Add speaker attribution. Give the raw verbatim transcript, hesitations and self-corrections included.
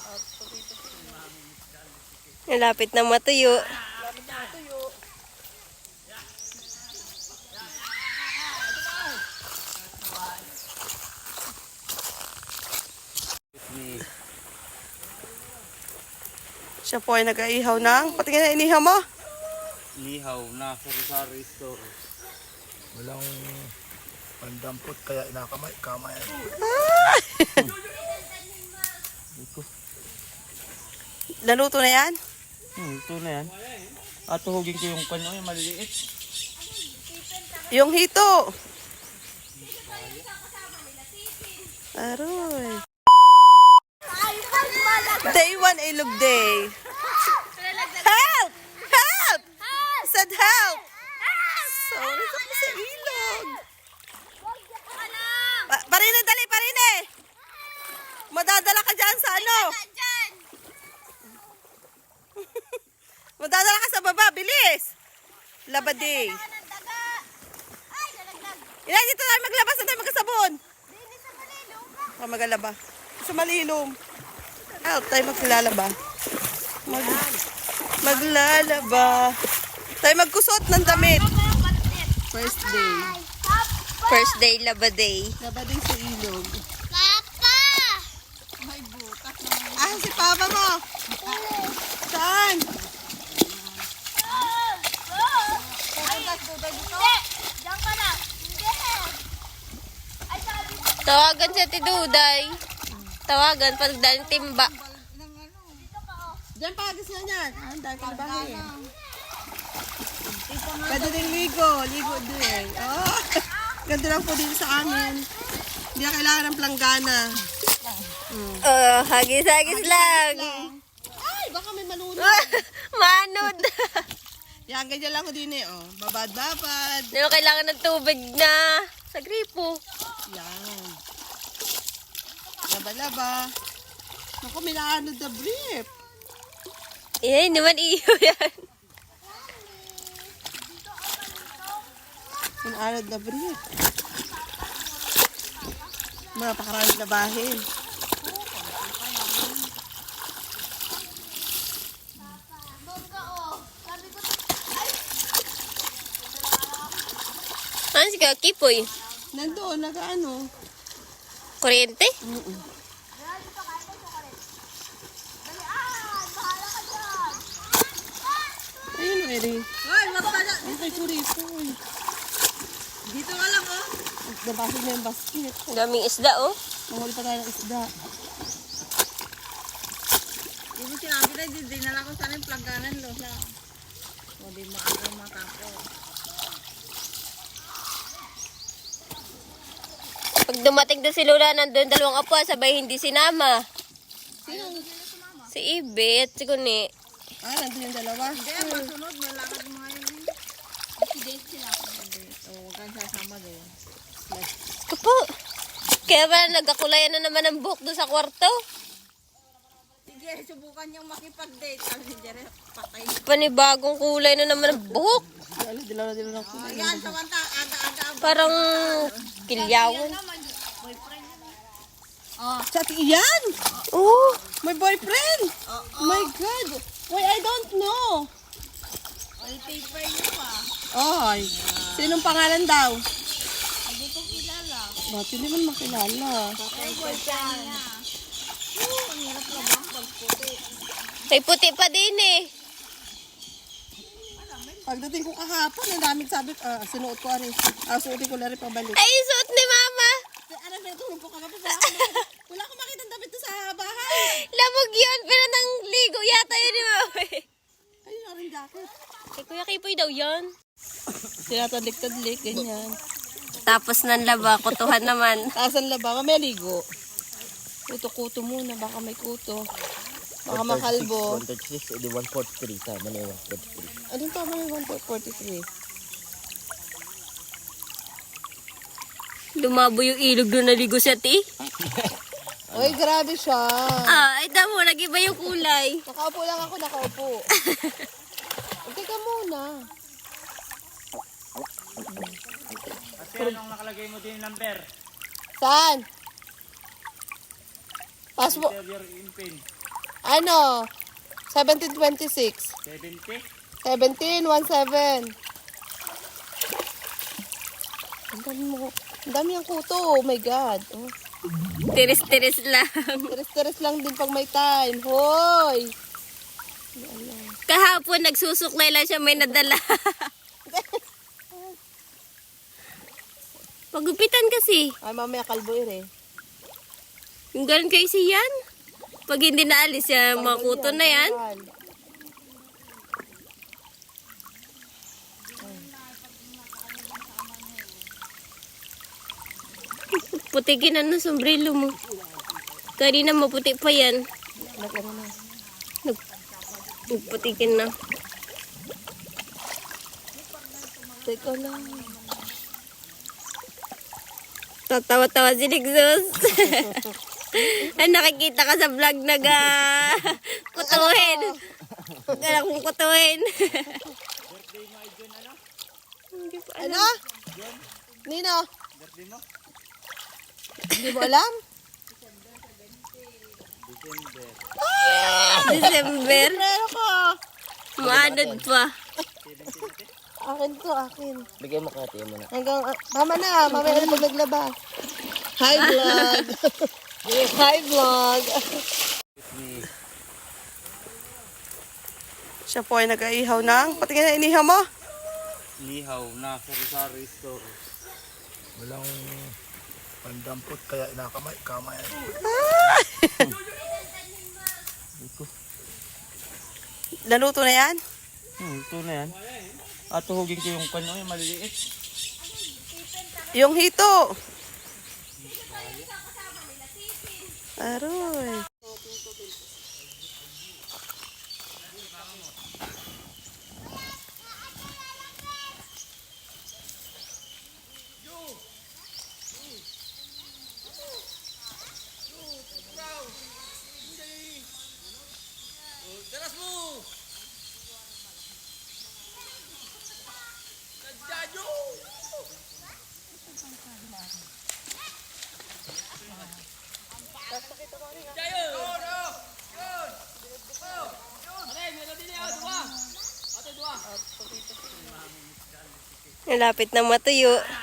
Speaker 1: Malapit na matuyo.
Speaker 2: Lapit na tuyo. Siya po ay nag-aihaw ng... Patingin na inihaw mo?
Speaker 3: Inihaw na sari-sari store.
Speaker 4: Walang pandampot kaya inakamay kamay.
Speaker 2: Naluto na yan?
Speaker 3: Hmm, ito na yan. At tuhugin ko yung kanya yung maliliit.
Speaker 2: Yung hito. Aroy. Day one ilog day. Help! Help! Said help! So, nasa ko sa ilog. Pa parine, dali, parine! Madadala ka dyan sa ano? Madadala ka sa baba, bilis! Labaday. Ilan dito tayo maglabas na tayo magkasabon? O magalaba. Sa malilom. Help tayo maglalaba. Mag maglalaba. Tayo magkusot ng damit. First day.
Speaker 1: First day, laba day.
Speaker 2: Labaday sa ilog.
Speaker 5: Papa!
Speaker 2: Ah, si Papa mo. Saan?
Speaker 5: Diyan ka na. Hindi. Ay, sabi ko.
Speaker 1: Tawagan si Ate Duday. Tawagan pag daling timba.
Speaker 2: Diyan pa, gusto niyan. Ah, ang dahil ka na bahay. Pwede din ligo. Ligo din. Oh, ganda lang po dito sa amin. Hindi na kailangan ng planggana.
Speaker 1: Oh, hagis-hagis lang.
Speaker 2: Ay, baka may manunod.
Speaker 1: Manod.
Speaker 2: Yan, ganyan lang ko din eh. Oh. Babad-babad.
Speaker 1: Hindi mo kailangan ng tubig na sa gripo.
Speaker 2: Yan. Laba-laba. Naku, may naanod na brief.
Speaker 1: Eh, hindi man iyo yan.
Speaker 2: May naanod na brief. Mapakarami na bahin.
Speaker 1: Ano si Kakipoy?
Speaker 2: Nandoon, nag-ano.
Speaker 1: Kuryente?
Speaker 2: Mm-mm. Ayun, Eri. Hoy, basta na. Ay, kay Kurito. Dito ka lang, oh. Nabasag na yung basket.
Speaker 1: Daming isda, oh.
Speaker 2: Mahuli pa tayo ng isda.
Speaker 6: Hindi sinabi na, di dinala ko sana yung plangganan, Lola. O di maaga matapo.
Speaker 1: Pag dumating doon si Lola, nandun dalawang apo, sabay hindi sinama. Si Ibe at si Kuni.
Speaker 2: Ah, nandun yung dalawa.
Speaker 6: Hindi, masunod, may lakad mo ngayon. Accident sila. O, huwag kang sasama din.
Speaker 1: Ito po. Kaya ba nagkakulayan na naman ang buhok doon sa kwarto?
Speaker 6: Sige, subukan niyang makipag-date. Sabi ni Jere, patay.
Speaker 1: Panibagong kulay na naman ang buhok.
Speaker 2: Ano, dilaw na dilaw na ako.
Speaker 6: O, yan, samanta, aga-aga.
Speaker 1: Parang kilyawan.
Speaker 2: Sa iyan!
Speaker 1: Oh,
Speaker 2: My boyfriend! My God! Why, I don't know.
Speaker 6: Wallpaper niyo pa.
Speaker 2: Oy, sinong pangalan daw?
Speaker 6: Hindi ko kilala.
Speaker 2: Bakit hindi man makilala?
Speaker 6: Ay, boyfriend niya. Oo, ang hirap na ba? Pagputi.
Speaker 1: may puti pa din eh.
Speaker 2: Pagdating ko kahapon, ang daming sabi, ah, sinuot ko rin. Ah, suotin ko na rin pabalik.
Speaker 1: Ay, suot ni Mama.
Speaker 2: Ano, may tulong ko kahapon. Wala akong makita, wala akong makita ng damit to sa bahay.
Speaker 1: Labog yun, pero nang ligo yata yun ni Mama.
Speaker 2: Ayun na rin jacket.
Speaker 1: Kay Kuya Kipoy daw yan.
Speaker 2: Tinatadlik-tadlik, ganyan.
Speaker 1: Tapos nang laba, kutuhan naman.
Speaker 2: Asan na ba? May ligo. Kuto-kuto muna, baka may kuto. Baka makalbo.
Speaker 3: one thirty-six, edi one forty-three. Tama na yung one forty-three.
Speaker 2: Anong tama yung one forty-three?
Speaker 1: Lumabo yung ilog doon naligo siya, ti.
Speaker 2: Uy, grabe siya.
Speaker 1: Ah, ay tamo, nag-iba yung kulay.
Speaker 2: Nakaupo lang ako, nakaupo. Teka muna.
Speaker 3: Kasi anong nakalagay mo din yung number?
Speaker 2: Saan? Passport.
Speaker 3: Interior in pin.
Speaker 2: Ano? seventeen twenty-six.
Speaker 3: seventy?
Speaker 2: seventeen seventeen. Ang dami mo. Ang dami ang kuto. Oh my God. Oh.
Speaker 1: Tiris-tiris lang.
Speaker 2: Teres-teres lang din pag may time. Hoy!
Speaker 1: Kahapon nagsusuklay lang siya, may nadala. Pagupitan kasi.
Speaker 2: Ay, mamaya kalbuir eh.
Speaker 1: Yung ganun kay siyan. Pag hindi naalis yan, mga kuto na yan. Putikin na ng sombrero mo. Kanina maputi pa yan.
Speaker 2: Nag-ano na.
Speaker 1: Nag Nagputikin na.
Speaker 2: Teka lang.
Speaker 1: Tatawa-tawa si Nixos. Ay, nakikita ka sa vlog nag ah, kutuhin. Kailangan kong kutuhin.
Speaker 2: Ano? Nino? Hindi mo alam?
Speaker 1: December.
Speaker 2: Pero ko.
Speaker 1: Maanod pa.
Speaker 2: Akin to, akin.
Speaker 3: Bigay mo kaya mo na.
Speaker 2: Hanggang, ah, mama na, mamaya na pag naglaba. Hi vlog. Hi vlog. Siya po ay nag-aihaw ng, patingin na inihaw mo.
Speaker 3: Nihaw na sari-sari store.
Speaker 4: Walang pandampot kaya inakamay-kamay.
Speaker 2: Naluto na yan?
Speaker 3: Hmm, ito na yan. At tuhugin ko yung kanya, yung maliliit.
Speaker 2: Yung hito. Aroy.
Speaker 1: Malapit na matuyo.